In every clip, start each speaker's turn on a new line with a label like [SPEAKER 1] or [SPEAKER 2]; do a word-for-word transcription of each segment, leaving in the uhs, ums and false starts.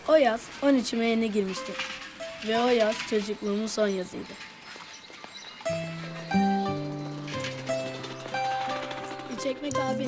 [SPEAKER 1] O yaz on üçüme yeni girmiştim. Ve o yaz çocukluğumun son yazıydı. Üç ekmek abi.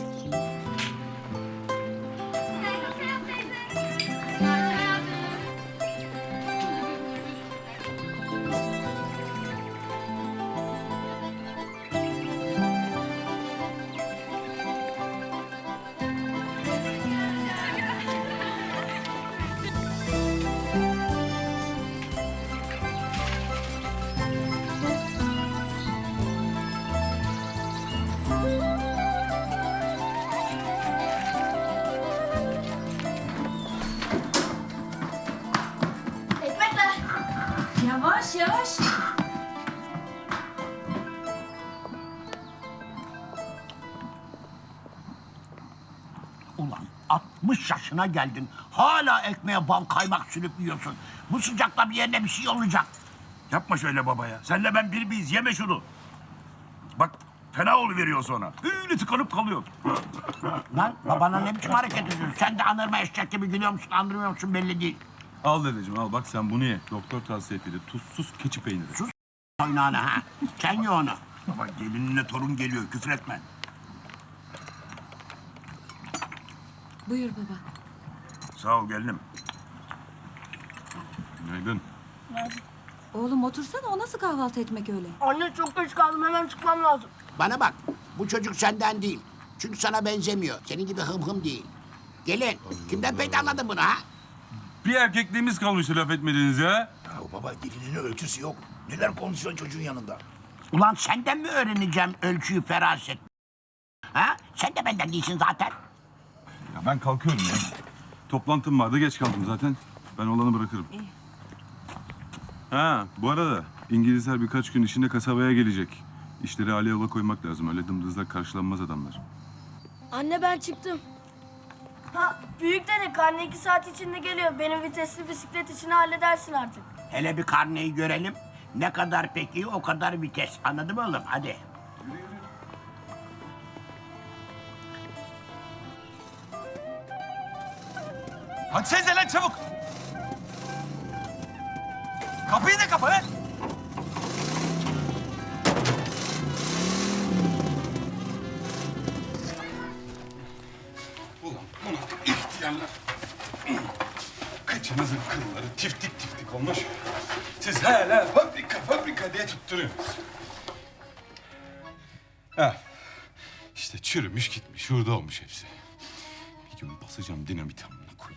[SPEAKER 2] Ekmekler.
[SPEAKER 3] Yavaş yavaş.
[SPEAKER 4] Ulan altmış yaşına geldin. Hala ekmeğe bal kaymak sürüp yiyorsun. Bu sıcakta bir yerine bir şey olacak.
[SPEAKER 5] Yapma şöyle babaya. Senle ben bir miyiz? Yeme şunu. Bak fena oluveriyor sonra. Öyle tıkanıp kalıyor.
[SPEAKER 4] Lan babana ne biçim hareket ediyorsun? Sen de anırma eşek gibi gülüyor musun, andırmıyor musun belli değil.
[SPEAKER 6] Al dedeciğim al bak sen bunu ye. Doktor tavsiye etti. Tuzsuz keçi peyniri.
[SPEAKER 4] Sus oynağını ha. Sen ye onu.
[SPEAKER 5] Baba gelinine torun geliyor. Küfür etme.
[SPEAKER 3] Buyur baba.
[SPEAKER 5] Sağ ol gelinim.
[SPEAKER 6] Günaydın.
[SPEAKER 3] Oğlum otursana, o nasıl kahvaltı etmek öyle?
[SPEAKER 1] Anne çok geç kaldım, hemen çıkmam lazım.
[SPEAKER 4] Bana bak, bu çocuk senden değil. Çünkü sana benzemiyor. Senin gibi hım hım değil. Gelin, kimden peydaladın bunu ha?
[SPEAKER 6] Bir erkekliğimiz kalmıştı laf etmediniz ya.
[SPEAKER 5] Ya baba dilinin ölçüsü yok. Neler konuşuyorsun çocuğun yanında?
[SPEAKER 4] Ulan senden mi öğreneceğim ölçüyü, feraset? Ha? Sen de benden değilsin zaten.
[SPEAKER 6] Ya ben kalkıyorum ya. Toplantım vardı geç kaldım zaten. Ben olanı bırakırım. Ha bu arada İngilizler birkaç gün içinde kasabaya gelecek. İşleri hale yola koymak lazım. Öyle dımdızlak karşılanmaz adamlar.
[SPEAKER 1] Anne ben çıktım. Ha, büyük dede karne iki saat içinde geliyor. Benim vitesli bisiklet işini halledersin artık.
[SPEAKER 4] Hele bir karneyi görelim. Ne kadar peki o kadar vites. Anladın mı oğlum? Hadi.
[SPEAKER 7] Hadi sen lan çabuk. Kapıyı da kapa lan.
[SPEAKER 6] Ulan bunu ihtiyarlar. Kıçınızın kılları tiftik tiftik olmuş. Siz hala fabrika fabrika diye tutturuyorsunuz. Ha. İşte çürümüş gitmiş, hurda olmuş hepsi. Bir gün basacağım dinamit amına koyayım.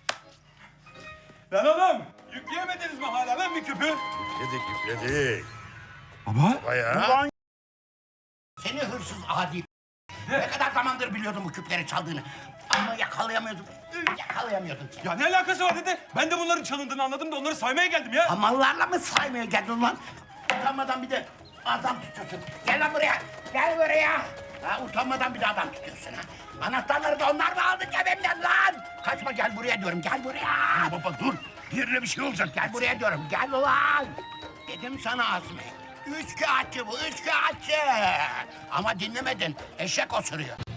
[SPEAKER 6] Lan oğlum, yükleyemediniz mi hala lan bir küpü?
[SPEAKER 5] Yükledik yükledik.
[SPEAKER 6] Baba?
[SPEAKER 5] Baya.
[SPEAKER 4] Seni hırsız adi. Ne kadar zamandır biliyordum bu küpleri çaldığını. Ama yakalayamıyordum. Yakalayamıyordum seni.
[SPEAKER 7] Ya ne alakası var dede? Ben de bunların çalındığını anladım da onları saymaya geldim ya.
[SPEAKER 4] Hamallarla mı saymaya geldin lan? Utanmadan bir de adam tutuyorsun. Gel lan buraya. Gel buraya. Ha, utanmadan bir de adam tutuyorsun ha. Anahtarları da onlar mı aldı cebimden lan? Kaçma gel buraya diyorum. Gel buraya.
[SPEAKER 5] Baba dur. Yerine bir şey olacak.
[SPEAKER 4] Gel buraya diyorum. Gel ulan. Dedim sana Azmi. Üç kağıtçı bu. Üç kağıtçı. Ama dinlemedin. Eşek osuruyor.